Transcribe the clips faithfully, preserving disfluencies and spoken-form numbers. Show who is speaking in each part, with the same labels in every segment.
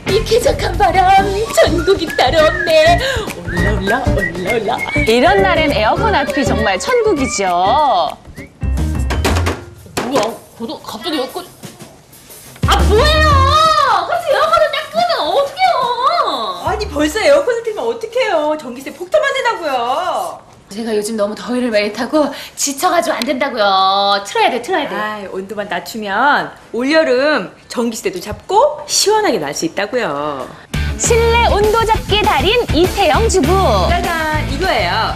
Speaker 1: 이 쾌적한 바람, 전국이 따로 없네. 올라 올라 올라 올라.
Speaker 2: 이런 날엔 에어컨 앞이 정말 천국이죠.
Speaker 1: 뭐야? 고도 갑자기 에어컨? 아 뭐예요? 갑자기 에어컨을 딱 끄면 어떡해요?
Speaker 3: 아니 벌써 에어컨을 틀면 어떡해요. 전기세 폭탄 맞는다고요.
Speaker 1: 제가 요즘 너무 더위를 많이 타고 지쳐가지고 안 된다고요. 틀어야 돼, 틀어야 돼.
Speaker 3: 아, 온도만 낮추면 올여름 전기세도 잡고 시원하게 날 수 있다고요.
Speaker 2: 실내 온도 잡기 달인 이태영 주부.
Speaker 3: 짜잔, 이거예요.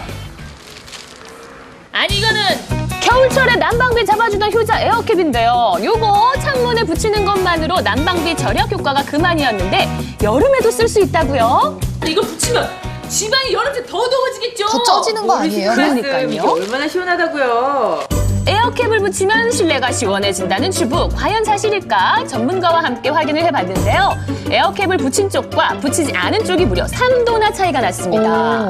Speaker 1: 아니 이거는
Speaker 2: 겨울철에 난방비 잡아주던 효자 에어캡인데요. 요거 창문에 붙이는 것만으로 난방비 절약 효과가 그만이었는데 여름에도 쓸 수 있다고요?
Speaker 1: 이거 붙이면 집안이 여름새 더 더워지겠죠?
Speaker 4: 더 쪄지는 거 아니에요?
Speaker 2: 그러니까요.
Speaker 3: 이게 얼마나 시원하다고요.
Speaker 2: 에어캡을 붙이면 실내가 시원해진다는 주부. 과연 사실일까? 전문가와 함께 확인을 해봤는데요. 에어캡을 붙인 쪽과 붙이지 않은 쪽이 무려 삼 도나 차이가 났습니다.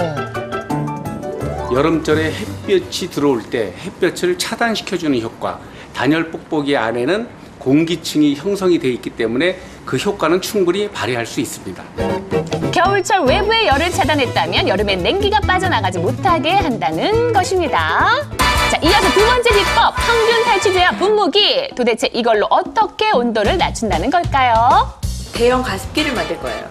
Speaker 5: 여름철에 햇볕이 들어올 때 햇볕을 차단시켜주는 효과, 단열 뽁뽁이 안에는 공기층이 형성이 돼 있기 때문에 그 효과는 충분히 발휘할 수 있습니다.
Speaker 2: 겨울철 외부의 열을 차단했다면 여름엔 냉기가 빠져나가지 못하게 한다는 것입니다. 자, 이어서 두 번째 비법, 평균 탈취제와 분무기. 도대체 이걸로 어떻게 온도를 낮춘다는 걸까요?
Speaker 3: 대형 가습기를 만들 거예요.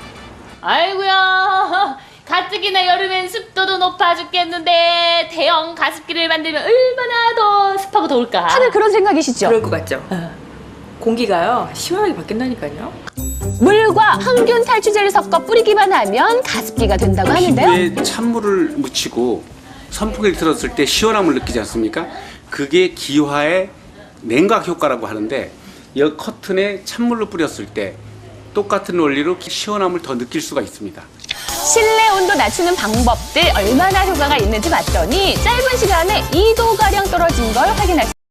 Speaker 1: 아이고야. 가뜩이나 여름엔 습도도 높아 죽겠는데 대형 가습기를 만들면 얼마나 더 습하고 더울까?
Speaker 2: 다들 그런 생각이시죠?
Speaker 3: 그럴 것 같죠? 공기가요, 시원하게 바뀐다니까요.
Speaker 2: 물과 항균 탈취제를 섞어 뿌리기만 하면 가습기가 된다고 하는데요.
Speaker 5: 피부에 찬물을 묻히고 선풍기를 틀었을 때 시원함을 느끼지 않습니까? 그게 기화의 냉각 효과라고 하는데 이 커튼에 찬물을 뿌렸을 때 똑같은 원리로 시원함을 더 느낄 수가 있습니다.
Speaker 2: 실내 온도 낮추는 방법들 얼마나 효과가 있는지 봤더니 짧은 시간에 이 도가량 떨어진 걸 확인할 수